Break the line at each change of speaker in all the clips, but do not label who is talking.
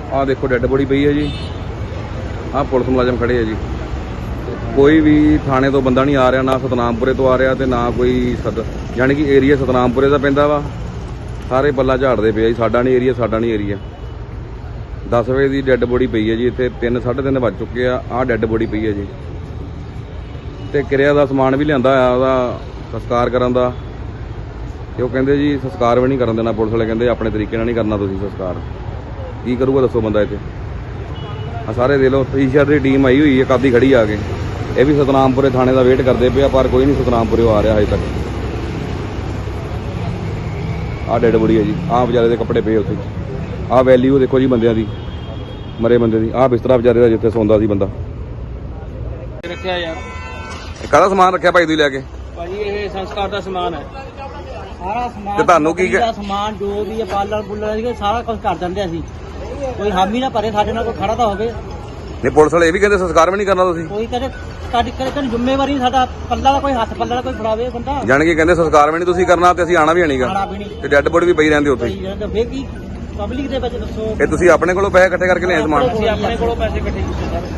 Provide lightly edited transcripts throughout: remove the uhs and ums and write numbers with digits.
ਆਹ ਦੇਖੋ dead body ਪਈ ਹੈ ਜੀ। ਆਹ ਪੁਲਿਸ ਮੁਲਾਜ਼ਮ ਖੜੇ ਹੈ ਜੀ। ਕੋਈ ਵੀ ਥਾਣੇ ਤੋਂ ਬੰਦਾ ਨਹੀਂ ਆ ਰਿਹਾ, ਨਾ ਸਤਨਾਮਪੁਰੇ ਤੋਂ ਆ ਰਿਹਾ ਤੇ ਨਾ ਕੋਈ ਯਾਨੀ ਕਿ ਏਰੀਆ ਸਤਨਾਮਪੁਰੇ ਦਾ ਪੈਂਦਾ ਵਾ। ਸਾਰੇ ਪੱਲਾ ਝਾੜਦੇ ਪਏ ਜੀ, ਸਾਡਾ ਨਹੀਂ ਏਰੀਆ, ਸਾਡਾ ਨਹੀਂ ਏਰੀਆ। 10 ਵਜੇ ਦੀ ਡੈੱਡ ਬੋਡੀ ਪਈ ਹੈ ਜੀ ਇੱਥੇ। 3 ਸਾਢੇ 3 ਵੱਜ ਚੁੱਕੇ ਆ। ਆਹ ਡੈੱਡ ਬੋਡੀ ਪਈ ਹੈ ਜੀ ਤੇ ਕਿਰਿਆ ਦਾ ਸਮਾਨ ਵੀ ਲਿਆਂਦਾ ਆ ਉਹਦਾ ਸੰਸਕਾਰ ਕਰਨ ਦਾ। ਤੇ ਉਹ ਕਹਿੰਦੇ ਜੀ ਸੰਸਕਾਰ ਵੀ ਨਹੀਂ ਕਰਨ ਦੇਣਾ। ਪੁਲਿਸ ਵਾਲੇ ਕਹਿੰਦੇ ਆਪਣੇ ਤਰੀਕੇ ਨਾਲ ਨਹੀਂ ਕਰਨਾ ਤੁਸੀਂ ਸੰਸਕਾਰ। ਕੀ ਕਰੂਗਾ ਦੱਸੋ ਬੰਦਾ ਇੱਥੇ। ਆ ਸਾਰੇ ਦੇ ਲਓ ਈਸ਼ਰ ਦੀ ਟੀਮ ਆਈ ਹੋਈ ਹੈ, ਕਾਦੀ ਖੜੀ ਆ ਕੇ। ਇਹ ਵੀ ਸਤਨਾਮਪੁਰੇ ਥਾਣੇ ਦਾ ਵੇਟ ਕਰਦੇ ਪਏ ਆ, ਪਰ ਕੋਈ ਨਹੀਂ ਸਤਨਾਮਪੁਰੇ ਆ ਰਿਹਾ ਹਜੇ ਤੱਕ। ਆਹ ਡੈੱਡ ਬੋਡੀ ਹੈ ਜੀ। ਆਹ ਵਿਚਾਰੇ ਦੇ ਕੱਪੜੇ ਪਏ ਉੱਥੇ। ਆਹ ਵੈਲਿਊ ਦੇਖੋ ਜੀ ਬੰਦਿਆਂ ਦੀ, ਮਰੇ ਬੰਦੇ ਦੀ। ਆਹ ਬਿਸਤਰਾ ਵਿਚਾਰੇ ਦਾ ਜਿੱਥੇ ਸੌਂਦਾ ਸੀ ਬੰਦਾ।
ਰੱਖਿਆ ਯਾਰ
ਕਾਹਦਾ ਸਮਾਨ ਰੱਖਿਆ ਭਾਈ ਤੁਸੀਂ ਲੈ ਕੇ?
ਭਾਜੀ ਇਹ ਸੰਸਕਾਰ ਦਾ ਸਮਾਨ ਹੈ, ਸਾਰਾ ਸਮਾਨ।
ਤੇ ਤੁਹਾਨੂੰ ਕੀ
ਸਮਾਨ ਜੋ ਵੀ ਪਾਲਰ ਪੁੱਲਰ ਸੀਗੇ ਸਾਰਾ ਕੁਝ ਕਰ ਦਿੰਦੇ ਅਸੀਂ। ਕੋਈ ਹਾਮੀ ਨਾ ਭਰੇ ਸਾਡੇ ਨਾਲ, ਕੋਈ ਖੜਾ ਤਾਂ ਹੋਵੇ
ਨਹੀਂ। ਪੁਲਿਸ ਵਾਲੇ ਇਹ ਵੀ ਕਹਿੰਦੇ ਸੰਸਕਾਰ ਵੀ ਨਹੀਂ ਕਰਨਾ ਤੁਸੀਂ।
ਕੋਈ ਕਦੇ ਸਾਡੀ ਕਦੇ ਜ਼ਿੰਮੇਵਾਰੀ ਸਾਡਾ ਪੱਲਾ ਦਾ ਕੋਈ ਹੱਥ ਪੱਲਾ ਦਾ ਕੋਈ ਫੜਾਵੇ ਬੰਦਾ।
ਜਾਣ ਕੇ ਕਹਿੰਦੇ ਸੰਸਕਾਰ ਵੀ ਨਹੀਂ ਤੁਸੀਂ ਕਰਨਾ ਤੇ ਅਸੀਂ ਆਣਾ ਵੀ ਨਹੀਂਗਾ ਤੇ ਡੈੱਡ ਬੋਡੀ ਵੀ ਪਈ ਰਹਿੰਦੇ ਉੱਥੇ।
ਫੇਰ ਕੀ ਪਬਲਿਕ ਦੇ ਵਿੱਚ ਦੱਸੋ।
ਇਹ ਤੁਸੀਂ ਆਪਣੇ ਕੋਲੋਂ ਪੈਸੇ ਇਕੱਠੇ ਕਰਕੇ ਲਿਆਏ ਸਮਾਨ?
ਅਸੀਂ ਆਪਣੇ ਕੋਲੋਂ ਪੈਸੇ ਇਕੱਠੇ ਕੀਤੇ ਸਰ।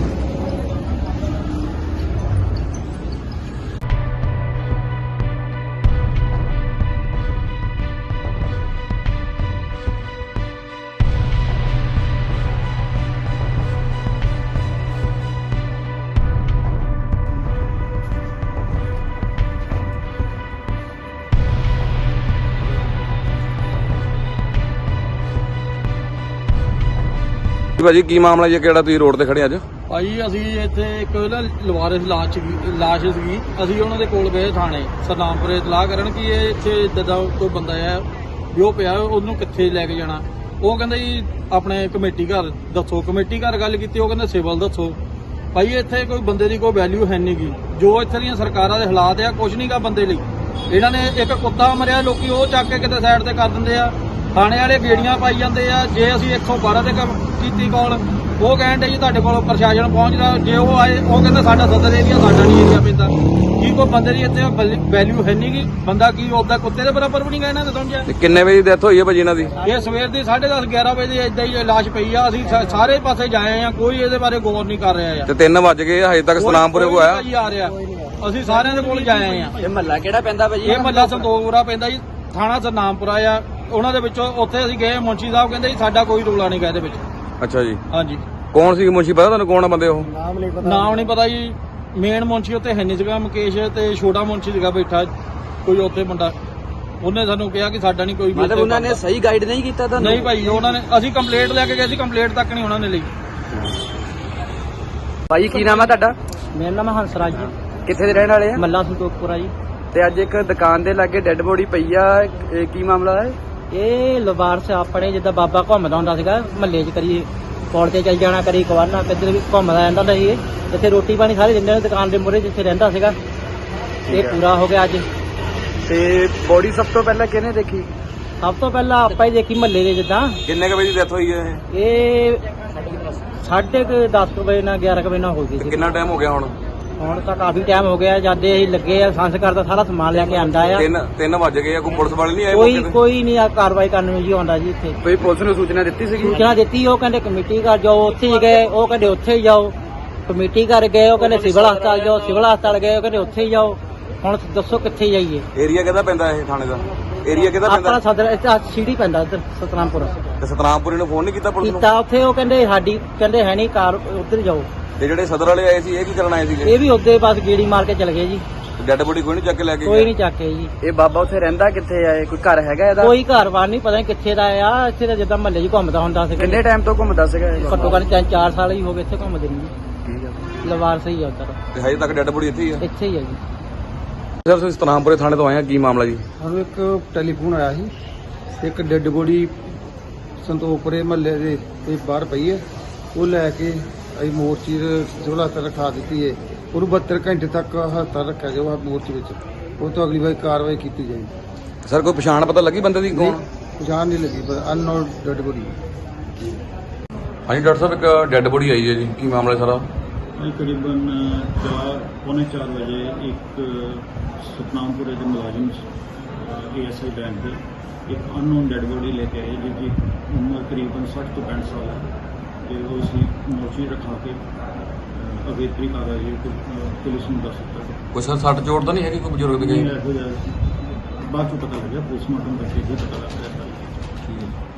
ਭਾਜੀ ਕੀ ਮਾਮਲਾ ਜੀ, ਕਿਹੜਾ ਤੁਸੀਂ ਰੋਡ ਤੇ ਖੜੇ ਅੱਜ?
ਭਾਜੀ ਅਸੀਂ ਇੱਥੇ ਇੱਕ ਨਾ ਲਵਾਰਿਸ ਲਾਸ਼ ਸੀਗੀ। ਅਸੀਂ ਉਹਨਾਂ ਦੇ ਕੋਲ ਗਏ ਥਾਣੇ ਸਤਨਾਮਪੁਰੇ ਇਤਲਾਹ ਕਰਨ ਕਿ ਇਹ ਇੱਥੇ ਇੱਦਾਂ ਦਾ ਕੋਈ ਬੰਦਾ ਹੈ ਵੀ ਉਹ ਪਿਆ, ਉਹਨੂੰ ਕਿੱਥੇ ਲੈ ਕੇ ਜਾਣਾ। ਉਹ ਕਹਿੰਦਾ ਜੀ ਆਪਣੇ ਕਮੇਟੀ ਘਰ ਦੱਸੋ। ਕਮੇਟੀ ਘਰ ਗੱਲ ਕੀਤੀ, ਉਹ ਕਹਿੰਦੇ ਸਿਵਲ ਦੱਸੋ। ਭਾਈ ਇੱਥੇ ਕੋਈ ਬੰਦੇ ਦੀ ਕੋਈ ਵੈਲਿਊ ਹੈ ਨਹੀਂ ਗੀ। ਜੋ ਇੱਥੇ ਦੀਆਂ ਸਰਕਾਰਾਂ ਦੇ ਹਾਲਾਤ ਆ, ਕੁਝ ਨਹੀਂਗਾ ਬੰਦੇ ਲਈ। ਇਹਨਾਂ ਨੇ ਇੱਕ ਕੁੱਤਾ ਮਰਿਆ, ਲੋਕੀ ਉਹ ਚੱਕ ਕੇ ਕਿਤੇ ਸਾਈਡ ਤੇ ਕਰ ਦਿੰਦੇ ਆ। ਥਾਣੇ ਵਾਲੇ ਗੇੜੀਆਂ ਪਾਈ ਜਾਂਦੇ ਆ। ਜੇ ਅਸੀਂ 112 ਤੇ ਕੀਤੀ ਕਾਲ, ਉਹ ਕਹਿੰਦੇ ਜੀ ਤੁਹਾਡੇ ਕੋਲ ਪ੍ਰਸ਼ਾਸਨ ਪਹੁੰਚਦਾ। ਜੇ ਉਹ ਆਏ, ਉਹ ਕਹਿੰਦਾ ਸਾਡਾ ਸਦਰ ਏਰੀਆ, ਸਾਡਾ ਨਹੀਂ ਏਰੀਆ ਪੈਂਦਾ। ਕੀ ਕੋਈ ਬੰਦੇ ਦੀ ਇੱਥੇ ਵੈਲਿਊ ਹੈ ਨਹੀਂ ਗੀ? ਬੰਦਾ ਕੀ ਉਹਦਾ ਕੁੱਤੇ ਦੇ ਬਰਾਬਰ ਵੀ ਨਹੀਂ ਗਾ ਇਹਨਾਂ ਦੇ ਸਮਝਿਆ।
ਕਿੰਨੇ ਵਜੇ ਦੀ ਡੈਥ ਹੋਈ ਹੈ ਭਾਜੀ ਇਹਨਾਂ ਦੀ?
ਇਹ ਸਵੇਰ ਦੀ 10:30 11 ਵਜੇ ਏਦਾਂ ਹੀ ਲਾਸ਼ ਪਈ ਆ। ਅਸੀਂ ਸਾਰੇ ਪਾਸੇ ਜਾਏ ਆ, ਕੋਈ ਇਹਦੇ ਬਾਰੇ ਗੌਰ ਨਹੀਂ ਕਰ ਰਿਹਾ।
ਤੇ 3 ਵੱਜ ਗਏ ਹਜੇ ਤੱਕ ਸਤਨਾਮਪੁਰੇ ਕੋ ਆਇਆ
ਜੀ ਆ ਰਿਹਾ। ਅਸੀਂ ਸਾਰਿਆਂ ਦੇ ਕੋਲ ਜਾਏ ਆ।
ਇਹ ਮਹੱਲਾ ਕਿਹੜਾ ਪੈਂਦਾ ਭਾਜੀ?
ਇਹ ਮਹੱਲਾ ਸੰਤੋਖਪੁਰਾ ਪੈਂਦਾ ਜੀ, ਥਾਣਾ ਸਤਨਾਮਪੁਰਾ ਆ। ਉਹਨਾਂ ਦੇ ਵਿੱਚੋਂ ਉੱਥੇ ਅਸੀਂ ਗਏ, ਮੁੰਸ਼ੀ ਸਾਹਿਬ ਕਹਿੰਦੇ ਜੀ ਸਾਡਾ ਕੋਈ ਰੌਲਾ ਨਹੀਂ ਗਾ ਇਹਦੇ ਵਿੱਚ।
ਅੱਛਾ ਜੀ।
ਹਾਂਜੀ।
ਕੌਣ ਸੀ ਮੁੰਸ਼ੀ, ਪਤਾ ਤੁਹਾਨੂੰ ਕੌਣ ਆ ਬੰਦੇ ਉਹ?
ਨਾਮ ਨਹੀਂ ਪਤਾ ਜੀ। ਮੇਨ ਮੁੰਸ਼ੀ ਉੱਥੇ ਹੈ ਨਹੀਂ ਸੀਗਾ, ਮੁਕੇਸ਼, ਤੇ ਛੋਟਾ ਮੁੰਸ਼ੀ ਸੀਗਾ ਬੈਠਾ ਕੋਈ ਉੱਥੇ ਮੁੰਡਾ। ਉਹਨੇ ਸਾਨੂੰ ਕਿਹਾ ਕਿ ਸਾਡਾ ਨਹੀਂ ਕੋਈ ਵੀ।
ਮਤਲਬ ਉਹਨਾਂ ਨੇ ਸਹੀ ਗਾਈਡ ਨਹੀਂ ਕੀਤਾ ਤੁਹਾਨੂੰ?
ਨਹੀਂ ਭਾਈ, ਉਹਨਾਂ ਨੇ ਅਸੀਂ ਕੰਪਲੇਂਟ ਲੈ ਕੇ ਗਏ ਸੀ, ਕੰਪਲੇਂਟ ਤੱਕ ਨਹੀਂ ਉਹਨਾਂ ਨੇ ਲਈ।
ਭਾਈ ਕੀ ਨਾਮ ਆ ਤੁਹਾਡਾ?
ਮੇਰਾ ਨਾਮ ਹੰਸਰਾਜ ਜੀ।
ਕਿੱਥੇ ਦੇ ਰਹਿਣ ਵਾਲੇ ਆ?
ਮੱਲਾ ਸੰਤੋਖਪੁਰਾ ਜੀ।
ਤੇ ਅੱਜ ਇੱਕ ਦੁਕਾਨ ਦੇ ਲਾਗੇ ਡੈੱਡ ਬੋਡੀ ਪਈ ਆ, ਇਹ ਕੀ ਮਾਮਲਾ ਹੈ?
ਇਹ ਲਵਾਰਸ ਆਪਣੇ ਜਿੱਦਾਂ ਬਾਬਾ ਘੁੰਮਦਾ ਹੁੰਦਾ ਸੀਗਾ ਮਹੱਲੇ 'ਚ, ਕਰੀ ਪੌੜ ਤੇ ਚੱਲ ਜਾਣਾ, ਕਰੀ ਕਵਾਨਾ, ਕਿੱਧਰ ਵੀ ਘੁੰਮਦਾ ਰਹਿੰਦਾ ਹੁੰਦਾ ਸੀ। ਇੱਥੇ ਰੋਟੀ ਪਾਣੀ ਸਾਰੇ ਦਿੰਦੇ ਨੇ ਦੁਕਾਨ ਦੇ ਮੂਹਰੇ ਜਿੱਥੇ ਰਹਿੰਦਾ ਸੀਗਾ। ਇਹ ਪੂਰਾ ਹੋ ਗਿਆ ਅੱਜ।
ਤੇ ਬੋਡੀ ਸਭ ਤੋਂ ਪਹਿਲਾਂ ਕਿਹਨੇ ਦੇਖੀ?
ਸਭ ਤੋਂ ਪਹਿਲਾਂ ਆਪਾਂ ਹੀ ਦੇਖੀ ਮਹੱਲੇ ਦੇ। ਜਿੱਦਾਂ
ਕਿੰਨੇ ਕ ਵਜੇ ਦੀ ਡੈਥ ਹੋਈ ਹੈ
ਇਹ 10:30 ਵਜੇ ਨਾਲ 11 ਵਜੇ ਨਾਲ ਹੋ ਗਈ ਸੀ।
ਕਿੰਨਾ ਟਾਈਮ ਹੋ ਗਿਆ ਹੁਣ?
ਹੁਣ ਤਾਂ ਕਾਫੀ ਟਾਈਮ ਹੋ ਗਿਆ। ਜਦ ਅਸੀਂ ਲੱਗੇ ਆ ਸੰਸਕਾਰ ਦਾ ਸਾਰਾ ਸਮਾਨ ਲੈ ਕੇ ਆਂਦਾ ਆ।
3 ਵੱਜ ਗਏ ਆ। ਕੋਈ ਪੁਲਿਸ ਵਾਲੇ ਨਹੀਂ ਆਏ?
ਕੋਈ ਨਹੀਂ ਆ ਕਾਰਵਾਈ ਕਰਨ ਨੂੰ ਜੀ ਆਉਂਦਾ ਜੀ ਇੱਥੇ।
ਕੋਈ ਪੁਲਿਸ ਨੂੰ ਸੂਚਨਾ ਦਿੱਤੀ ਸੀਗੀ?
ਸੂਚਨਾ ਦਿੱਤੀ, ਉਹ ਕਹਿੰਦੇ ਕਮੇਟੀ ਘਰ ਜਾਓ, ਉੱਥੇ ਹੀ ਗਏ। ਉਹ ਕਹਿੰਦੇ ਉੱਥੇ ਹੀ ਜਾਓ। ਕਮੇਟੀ ਘਰ ਗਏ, ਉਹ ਕਹਿੰਦੇ ਸਿਵਲ ਹਸਪਤਾਲ ਜਾਓ। ਸਿਵਲ ਹਸਪਤਾਲ ਗਏ, ਉਹ ਕਹਿੰਦੇ ਉੱਥੇ ਹੀ ਜਾਓ। ਹੁਣ ਦੱਸੋ ਕਿੱਥੇ ਜਾਈਏ?
ਏਰੀਆ ਕਿਹਦਾ ਪੈਂਦਾ ਇਹ ਥਾਣੇ ਦਾ? ਏਰੀਆ ਕਿਹਦਾ ਪੈਂਦਾ?
ਆਪਣਾ ਸਦਰ ਸੀੜੀ ਪੈਂਦਾ ਇੱਧਰ ਸਤਨਾਮਪੁਰ।
ਤੇ ਸਤਨਾਮਪੁਰੇ ਨੂੰ ਫੋਨ ਨਹੀਂ ਕੀਤਾ ਪੁਲਿਸ ਨੂੰ?
ਕੀਤਾ ਉੱਥੇ, ਉਹ ਕਹਿੰਦੇ ਸਾਡੀ ਕਹਿੰਦੇ ਹੈ ਨਹੀਂ ਕਾਰ, ਉੱਧਰ ਜਾਓ।
ਤੇ ਜਿਹੜੇ ਸਦਰ ਵਾਲੇ ਆਏ ਸੀ ਇਹ ਕੀ ਕਰਨ ਆਏ ਸੀਗੇ?
ਇਹ ਵੀ ਉੱਧੇ ਬਸ ਗੇੜੀ ਮਾਰ ਕੇ ਚਲੇ ਗਏ ਜੀ।
ਡੈੱਡ ਬੋਡੀ ਕੋਈ ਨਹੀਂ ਚੱਕ ਕੇ ਲੈ ਕੇ
ਕੋਈ ਨਹੀਂ ਚੱਕੇ ਜੀ।
ਇਹ ਬਾਬਾ ਉੱਥੇ ਰਹਿੰਦਾ ਕਿੱਥੇ ਆ? ਕੋਈ ਘਰ ਹੈਗਾ ਇਹਦਾ?
ਕੋਈ ਘਰ-ਬਾਰ ਨਹੀਂ, ਪਤਾ ਨਹੀਂ ਕਿੱਥੇ ਦਾ ਆ। ਇੱਥੇ ਤਾਂ ਜਿੱਦਾਂ ਮਹੱਲੇ 'ਚ ਘੁੰਮਦਾ ਹੁੰਦਾ ਸੀ।
ਕਿੰਨੇ ਟਾਈਮ ਤੋਂ ਘੁੰਮਦਾ ਸੀਗਾ ਇਹ?
ਘੱਟੋ ਘੱਟ 3-4 ਸਾਲ ਹੀ ਹੋ ਗਏ ਇੱਥੇ ਘੁੰਮਦੇ ਨੂੰ।
ਠੀਕ ਆ।
ਲਵਾਰ ਸਹੀ ਆ ਉੱਧਰ,
ਤੇ ਹਜੇ ਤੱਕ ਡੈੱਡ ਬੋਡੀ ਇੱਥੇ ਹੀ ਆ?
ਇੱਥੇ ਹੀ ਆ ਜੀ।
ਸਰ ਤੁਸੀਂ ਸਤਨਾਮਪੁਰੇ ਥਾਣੇ ਤੋਂ ਆਏ ਆ, ਕੀ ਮਾਮਲਾ ਜੀ?
ਸਾਨੂੰ ਇੱਕ ਟੈਲੀਫੋਨ ਆਇਆ ਸੀ, ਇੱਕ ਡੈੱਡ ਬੋਡੀ ਸੰਤੋਖਪੁਰੇ ਮਹੱਲੇ ਦੇ ਕੋਈ ਬਾਹਰ ਪਈ ਹੈ। ਉਹ ਲੈ ਕੇ ਅਸੀਂ ਮੋਰਚੀ ਸਿਵਲ ਹਸਪਤਾਲ ਰਖਾ ਦਿੱਤੀ ਹੈ। ਉਹਨੂੰ 72 ਘੰਟੇ ਤੱਕ ਹਸਪਤਾਲ ਰੱਖਿਆ ਜਾਊਗਾ ਮੋਰਚੀ ਵਿੱਚ। ਉਹ ਤੋਂ ਅਗਲੀ ਵਾਰ ਕਾਰਵਾਈ ਕੀਤੀ ਜਾਏਗੀ।
ਸਰ ਕੋਈ ਪਛਾਣ ਪਤਾ ਲੱਗੀ ਬੰਦੇ ਦੀ ਕੌਣ?
ਪਛਾਣ ਨਹੀਂ ਲੱਗੀ, ਪਰ ਅਨਨੋਨ ਡੈੱਡ ਬੋਡੀ।
ਹਾਂਜੀ ਡਾਕਟਰ ਸਾਹਿਬ, ਇੱਕ ਡੈੱਡ ਬੋਡੀ ਆਈ ਹੈ ਜੀ, ਕੀ ਮਾਮਲਾ ਸਾਰਾ?
ਤਕਰੀਬਨ 4:45 ਵਜੇ ਇੱਕ ਸਤਨਾਮਪੁਰੇ ਦੇ ਮੁਲਾਜ਼ਮ ASI ਬੈਂਕ ਦੇ ਇੱਕ ਅਨਨੋਨ ਡੈਡ ਬੋਡੀ ਲੈ ਕੇ ਆਏ ਜਿਹਦੀ ਉਮਰ ਕਰੀਬਨ 60 ਤੋਂ 65 ਸਾਲ ਹੈ ਤੇ ਉਹ ਅਸੀਂ ਮੋਰਚੀ ਰਖਾ ਕੇ ਅਗੇਤਰੀ ਕਾਰਵਾਈ ਪੁਲਿਸ ਨੂੰ ਦੱਸ ਦਿੱਤਾ।
ਕੋਈ ਸਰ ਸੱਟ ਚੋਟ ਤਾਂ ਨਹੀਂ ਹੈਗੀ ਕੋਈ ਬਜ਼ੁਰਗ ਦੀ
ਇਹੋ ਜਿਹਾ ਬਾਅਦ ਚੋਂ ਪਤਾ ਲੱਗਿਆ, ਪੋਸਟਮਾਰਟਮ ਕਰਕੇ ਹੀ ਪਤਾ ਲੱਗਿਆ।